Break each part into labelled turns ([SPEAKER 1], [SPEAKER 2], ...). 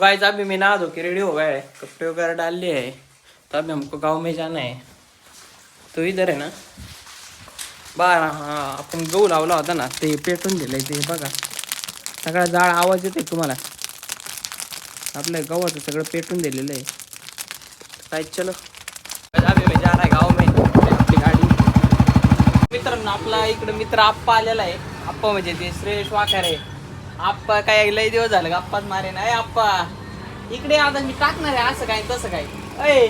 [SPEAKER 1] Guys अभी मैं नहा धो के रेडी हो गया है, कपड़े वगैरह डाल लिए है। तो अभी हमको गांव में जाना है। तो इधर है ना बाहेर आपण गहू लावला होता ना ते पेटून दिलंय ते बघा, सगळा जाळ आवाज येतोय तुम्हाला। आपल्या गव्हाचं सगळं पेटून दिलेलं आहे। काय चलो अभी मैं जा रहा है गाँव में अपनी गाड़ी। मित्रांनो आपला इकडे मित्र आप्पा आलेला आहे। आप्पा म्हणजे ते श्रेयश वाखारे आप्पा काय लय दिवस झालं गप्पाच मारे ना। आप्पा इकडे आता मी टाकणार आहे असं काय तसं काय अय।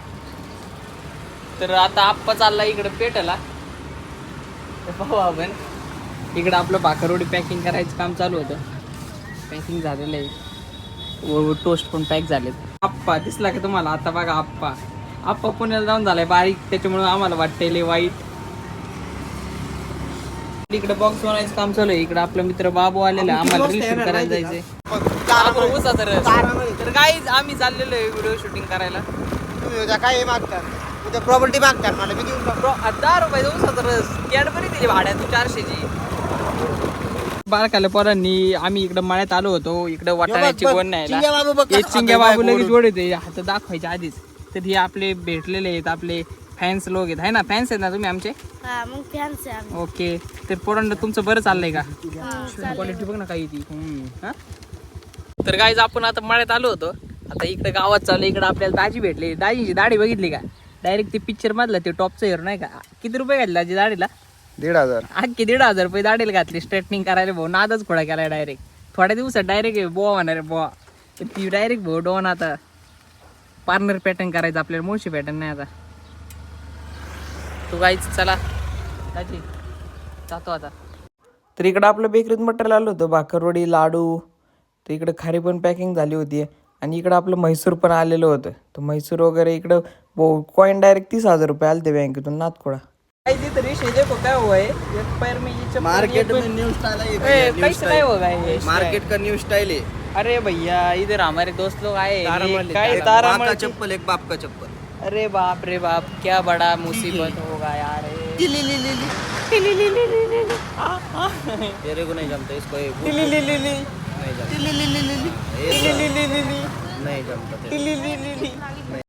[SPEAKER 1] तर आता आप्पा चालला इकडे पेटला पाहू आपण। इकडे आपलं भाकरवडी पॅकिंग करायचं काम चालू होतं, पॅकिंग झालेलं आहे व टोस्ट पण पॅक झालेत। आप्पा दिसला की तुम्हाला आता बघा आप्पा आप्पा पुण्याला जाऊन झालाय बारीक, त्याच्यामुळे आम्हाला वाटतंय लय वाईट। इकडे बॉक्स बनवायचं काम चालू आहे। इकडे आपला मित्र बाबू आलेला आहे, आम्हाला रील शूट करायला जायचंय। तर गाईज आम्ही चाललेलो आहे व्हिडिओ शूटिंग करायला।
[SPEAKER 2] तुम्ही उद्या काय मागतात? उद्या प्रॉपर्टी मागतात मला, मी देऊन टाकतो।
[SPEAKER 1] 10 रुपये उसाचा रस कॅडबरी दिली भाड्यात 400ची। बारकाल्या पोरांनी आम्ही इकडे मळ्यात आलो होतो, इकडे वाटाण्याची गोण नाही चिंग्या बाबू लगेच जोड येते हात दाखवायच्या आधीच। तर हे आपले भेटलेले आहेत, आपले फॅन्स लोक आहेत, है ना? फॅन्स आहेत ना तुम्ही आमचे?
[SPEAKER 3] मग फॅन्स आहे आम्ही।
[SPEAKER 1] ओके तर पोरांना तुमचं बरं चाललंय का? क्वालिटी बघ ना काही ती। तर गाईज आपण आता मळ्यात आलो होतो, आता इकडे गावात चालू। इकडे आपल्याला दाजी भेटली, दाजीची दाढी बघितली का? डायरेक्ट ते पिक्चर मधलं ते टॉपचं हिरो नाही का? किती रुपये घातले दाजी दाढीला?
[SPEAKER 2] 1,500।
[SPEAKER 1] अख्खी 1,500 रुपये दाढीला घातली स्ट्रेटनिंग करायला। भाऊ नादच खोडा केलाय डायरेक्ट, थोड्या दिवसात डायरेक्ट बोवा होणार आहे बोवा। तर ती डायरेक्ट भाऊ डोन आता पार्लर पॅटर्न करायचं आपल्याला, मुळशी पॅटर्न नाही आता। तू गाईच चला दाजी जातो आता। तर इकडं आपलं बेकरीत मटेरियल आलं होतं, भाकरवडी लाडू। तर इकडं खारी पण पॅकिंग झाली होती आणि इकडं आपलं म्हैसूर पण आलेलं होतं। तर म्हैसूर वगैरे इकडं कॉइन डायरेक्ट 30,000 रुपये आले ते बँकेतून नाथखोडा। क्या हुआ है एक पैर में ये
[SPEAKER 2] मार्केट में न्यू स्टाइल है,
[SPEAKER 1] कैसे काय होगा ये?
[SPEAKER 2] मार्केट का न्यू स्टाइल है।
[SPEAKER 1] अरे भैया इधर हमारे दोस्त लोग आए
[SPEAKER 2] तारामल
[SPEAKER 1] तारामल
[SPEAKER 2] का चप्पल, एक बाप का चप्पल।
[SPEAKER 1] अरे बाप रे बाप, क्या बड़ा मुसीबत होगा यार।
[SPEAKER 2] तेरे को नहीं जमता इसको, नहीं जमता।